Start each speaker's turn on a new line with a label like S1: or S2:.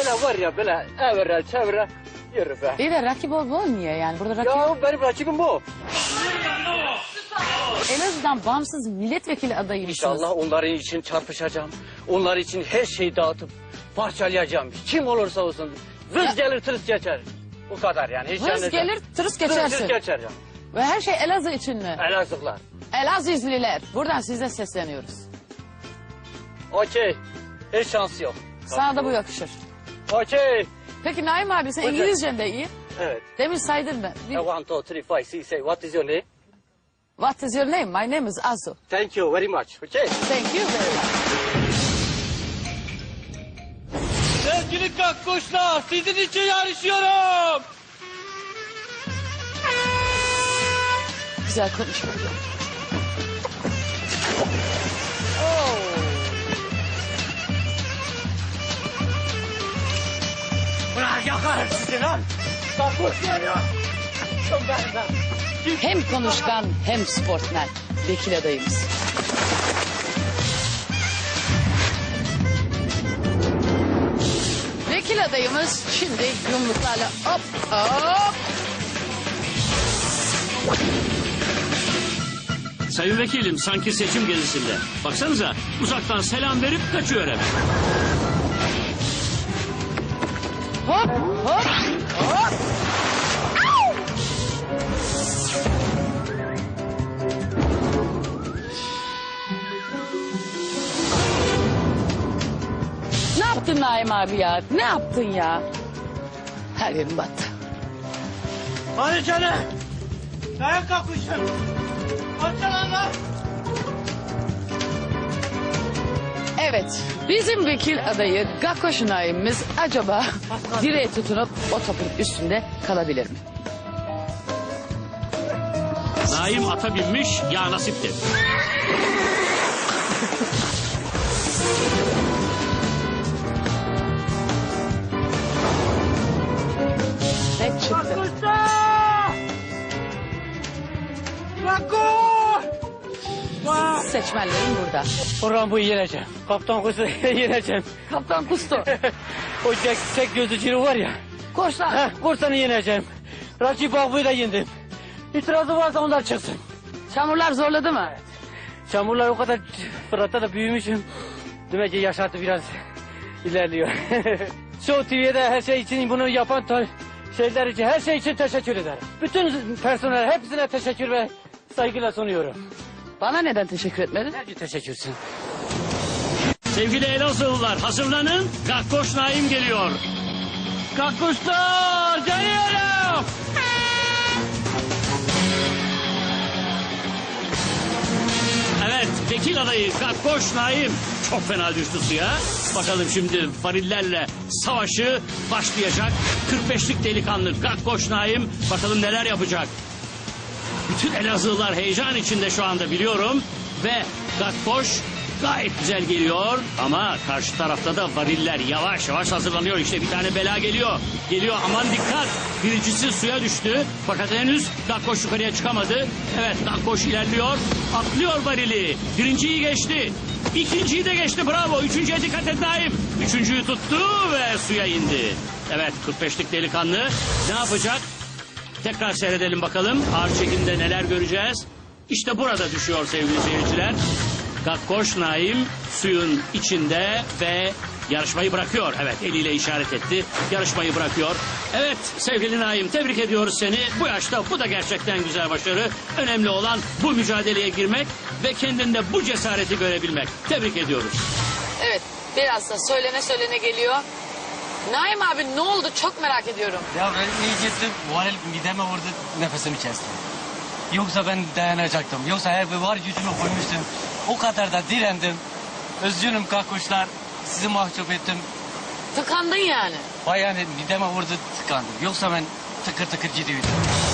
S1: böyle var ya böyle evre çevre yürü be.
S2: İyi de rakip ol niye yani? Burada rakip
S1: Ya benim rakibim bu.
S2: Elazığ'dan bağımsız milletvekili adayıymışsınız.
S1: İnşallah onların için çarpışacağım. Onlar için her şeyi dağıtıp parçalayacağım. Kim olursa olsun. Vız gelir tırıs geçer. Bu kadar yani. Hiç
S2: Hız
S1: yani-
S2: gelir, tırıs
S1: Tırıs
S2: geçersin.
S1: geçer yani.
S2: Ve her şey Elazığ için mi?
S1: Elazığlılar.
S2: Elazığlılar. Buradan size sesleniyoruz.
S1: Okey. Hiç şansı yok.
S2: Sana da bu yakışır.
S1: Okey.
S2: Peki Naim abi sen
S1: Hocam.
S2: İngilizcen de iyi.
S1: Evet.
S2: Demin saydın mı?
S1: I want to 3, 5, 6, say what is your name?
S2: What is your name? My name is Azu.
S1: Thank you very much. Okay.
S2: Thank you very much.
S1: Sevgili kakkuşlar, sizin için yarışıyorum.
S2: Güzel konuşma.
S1: Bırak yakar sizi lan. Kakkuşlar ya. Çok ben.
S2: Hem konuşkan hem sportmen. Vekil adayımız. Vekil adayımız şimdi yumruklarla hop hop.
S3: Sayın vekilim sanki seçim gezisinde. Baksanıza uzaktan selam verip kaçıyor hemen.
S2: Hop hop hop. Ne yaptın Naim abi ya? Ne yaptın ya? Her yerim battı.
S1: Hadi canım. Dayan kakkuşum. Açın lan.
S2: Evet, bizim vekil adayı Gakkoş Naim'imiz acaba direğe tutunup o topun üstünde kalabilir mi?
S3: Naim ata binmiş ya nasipti.
S2: Ne çıktı? Seçmenlerin burada.
S1: Orhan bu yeneceğim. Kaptan kuzu yeneceğim.
S2: Kaptan Kustu.
S1: O tek gözlü ciri var ya.
S2: Koçlar.
S1: Korsanı yeneceğim. Rakip Akbu'yu da yendim. İtirazı varsa onlar çıksın.
S2: Çamurlar zorladı mı?
S1: Çamurlar o kadar Fırat'ta da büyümüşüm. Demek ki yaşantı biraz ilerliyor. Show TV'de her şey için bunu yapan şeyler için her şey için teşekkür ederim. Bütün personel hepsine teşekkür ve saygıyla sunuyorum.
S2: Bana neden teşekkür etmedin?
S1: Nerede teşekkürsün?
S3: Sevgili Elazığlılar hazırlanın. Gakkoş Naim geliyor.
S1: Kakkuşlar geliyorum.
S3: Evet vekil adayı Gakkoş Naim çok fena düştü suya. Bakalım şimdi varillerle savaşı başlayacak. 45'lik delikanlı Gakkoş Naim bakalım neler yapacak. Bütün Elazığlılar heyecan içinde şu anda biliyorum. Ve Gakkoş gayet güzel geliyor. Ama karşı tarafta da variller yavaş yavaş hazırlanıyor. İşte bir tane bela geliyor. Geliyor aman dikkat. Birincisi suya düştü. Fakat henüz Gakkoş yukarıya çıkamadı. Evet Gakkoş ilerliyor. Atlıyor varili. Birinciyi geçti. İkinciyi de geçti bravo. Üçüncüye dikkat et Naim. Üçüncüyü tuttu ve suya indi. Evet 45'lik delikanlı ne yapacak? Tekrar seyredelim bakalım. Ağır çekimde neler göreceğiz. İşte burada düşüyor sevgili seyirciler. Gakkoş Naim suyun içinde ve yarışmayı bırakıyor. Evet eliyle işaret etti. Yarışmayı bırakıyor. Evet sevgili Naim tebrik ediyoruz seni. Bu yaşta bu da gerçekten güzel başarı. Önemli olan bu mücadeleye girmek ve kendinde bu cesareti görebilmek. Tebrik ediyoruz.
S2: Evet, biraz da söylene geliyor. Naim abi ne oldu çok merak ediyorum.
S4: Ya ben iyice varil mideme vurdu nefesimi kesti. Yoksa ben dayanacaktım. Yoksa her bir var gücümü koymuştum. O kadar da direndim. Üzgünüm kakkuşlar. Sizi mahcup ettim.
S2: Tıkandın yani.
S4: Vay yani mideme vurdu tıkandım. Yoksa ben tıkır tıkır gidiyordum.